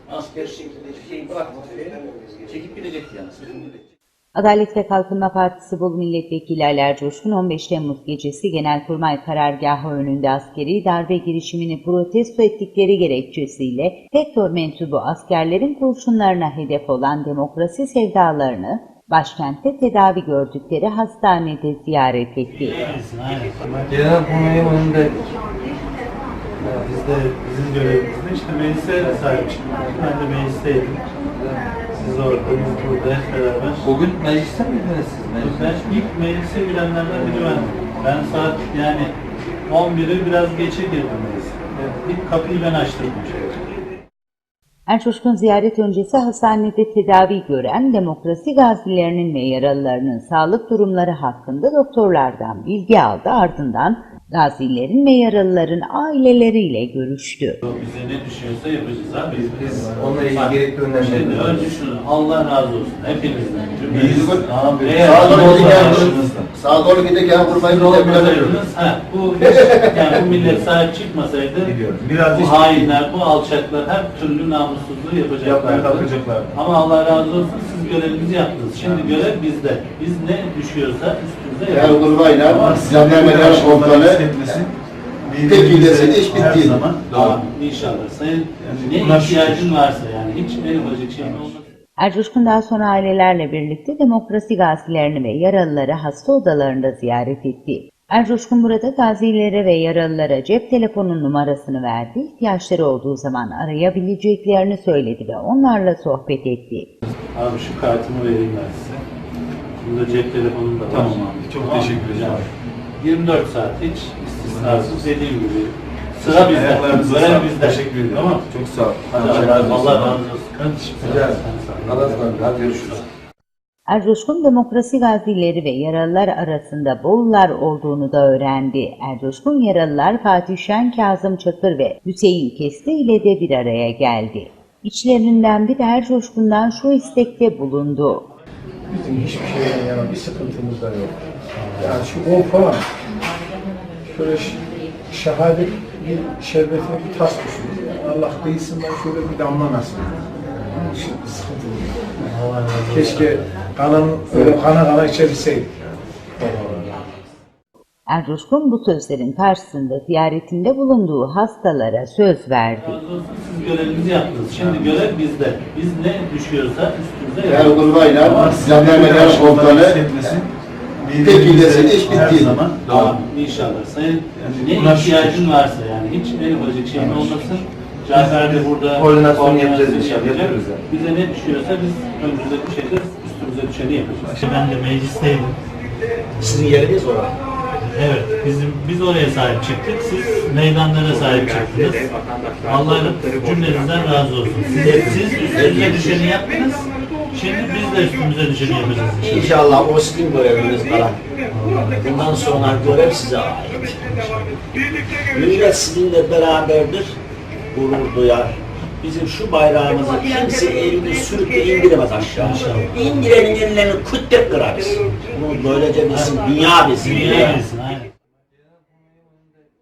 Asker şeklinde hiçbir şey bırakmadı. Çekip gidecekti yani. Adalet ve Kalkınma Partisi Bolu Milletvekili Ali Ercoşkun 15 Temmuz gecesi Genelkurmay Karargahı önünde askeri darbe girişimini protesto ettikleri gerekçesiyle FETÖ mensubu askerlerin kurşunlarına hedef olan demokrasi sevdalarını başkentte tedavi gördükleri hastanede ziyaret etti. Genelkurmay'ın önünde biz de bizim görevimizde işte meclise sahip çıktık. Ben de meclisteydim. Siz orada, biz burada hep beraber. Bugün mecliste miydiniz siz? Ben ilk meclise girenlerden biri bendim. Ben saat yani 11'i biraz geçe girdim meclise. İlk kapıyı ben açtım. Ercoşkun ziyaret öncesi hastanede tedavi gören demokrasi gazilerinin ve yaralılarının sağlık durumları hakkında doktorlardan bilgi aldı, ardından gazilerin ve yaralıların aileleriyle görüştü. Bize ne düşüyorsa yapacağız abi. Biz onunla ilgili gerekli önlemleri Şimdi önce şunu, Allah razı olsun hepinizden. Sağa doğru giderken vurmayı bu millet sahip çıkmasaydı bu hainler, bu alçaklar her türlü namussuzluğu yapacaklar. Ama Allah razı olsun siz görevinizi yaptınız. Şimdi görev bizde. Biz ne düşüyorsa üstümüze yapacağız. Kurmayla Jandarma Komutanı tek ilesini iş bitti. İnşallah. Sayın ne ihtiyacın varsa yani hiç en ufacık şey olmaz. Ercoşkun daha sonra ailelerle birlikte demokrasi gazilerini ve yaralıları hasta odalarında ziyaret etti. Ercoşkun burada gazilere ve yaralılara cep telefonun numarasını verdi, ihtiyaçları olduğu zaman arayabileceklerini söyledi ve onlarla sohbet etti. Abi şu kartımı vereyim ben size. Bunda cep telefonum da var. Tamam abi, çok teşekkür ederim. Yani 24 saat hiç istisnasız dediğim gibi. Sıra bizde. Görev bizde. Teşekkür ederim. Tamam. Çok sağ ol. Allah razı olsun. Allah'a ısmarladık. Hadi görüşürüz. Ercoşkun demokrasi gazileri ve yaralılar arasında Bolular olduğunu da öğrendi. Ercoşkun yaralılar Fatih Şen, Kazım Çakır ve Hüseyin Kesti ile de bir araya geldi. İçlerinden biri Ercoşkun'dan şu istekte bulundu. Bizim hiçbir şeyden yana bir sıkıntımız da yok. Yani şu 10 falan, şöyle şehadet bir şerbetine bir tas düşün. Yani Allah kıyısından şöyle bir damla nasip. Şimdi sıkıntı yok. Keşke öyle kana içebilseydik. Ercoşkun bu sözlerin karşısında ziyaretinde bulunduğu hastalara söz verdi. Siz görevinizi yaptınız. Şimdi görev bizde. Biz ne düşüyorsa üstümüze yapacağız. Kurmayla Jandarma Komutanı tek ilesini iş bitti. İnşallah. Sayın ne ihtiyacın varsa yani hiç en ufacık şey olmasın. Cafer de burada koordinasyon yapacağız inşallah. Bize ne düşüyorsa biz önümüze düşeceğiz, üstümüze düşeni yapacağız. Ben de meclisteydim. Sizin yeriniz orada. Evet, biz oraya sahip çıktık, siz meydanlara sahip çıktınız. Allah cümlenizden razı olsun. Siz üstünüze düşeni yaptınız, şimdi biz de üstümüze düşeni yapacağız. İnşallah o sizin göreviniz falan. Bundan sonra görev size ait. Millet sizinle beraberdir, gurur duyar. Bizim şu bayrağımızı kimse elini sürüp de indiremez aşağı. İndirenin ellerini kütle kırarız. Bunu böylece bizim dünya bizim. Dünya bilsin, aynen.